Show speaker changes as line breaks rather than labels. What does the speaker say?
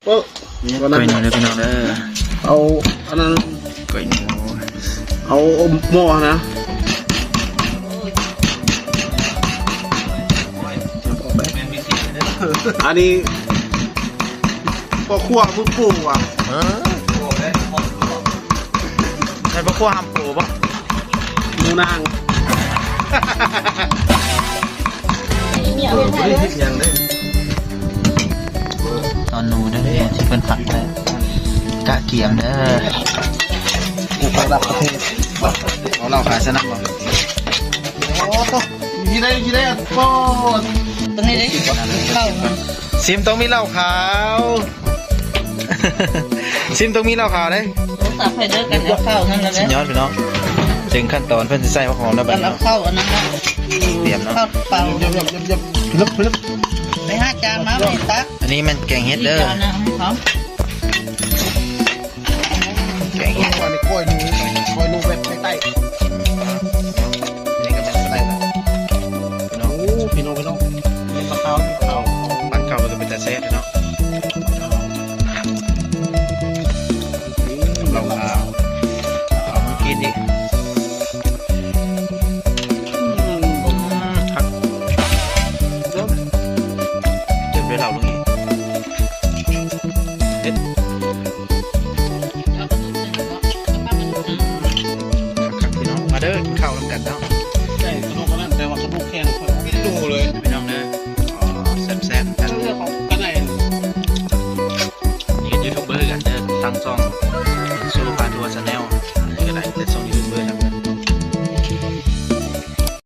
โอ้วันนั้น
ก๋วยหนูเด้อพี่น้องเด้อ
เอาอันนั้น
ก๋วยหนู
เอาหม้อนะอันนี้พ่อครัวผู้ปลูกอ่ะ
ใช่ปะขั้วห้ามปูปะ
หมูนาง
ตอนหนูเด้อที่เป็นผักเลยกะเกียมเด้อ
ปลูกระดับประเทศ
เอาเราขายสนับบ่
โอ้ยี่ได้โอ้
ตรงนี้ได้เข้ามา
ซิมต้องมีเหล้าขาว ซิมต้องมีเหล้าขาวเด้
ตับให้เลิกกันเอาเข้านั่นแหละ
สุดยอดพี่น้องถึงขั้นตอนเพิ่นสิใส่มะขามแล้วบั
กั
ด
น
นี้
เอาเข้าอันนั้น
เตรียมเนาะ
เข้าเปล่า
ยับลึก
ไปห้าจานมาไม่ตัก
อันนี้มันแกงเฮ็ดเด้อ
จานนะพร้อม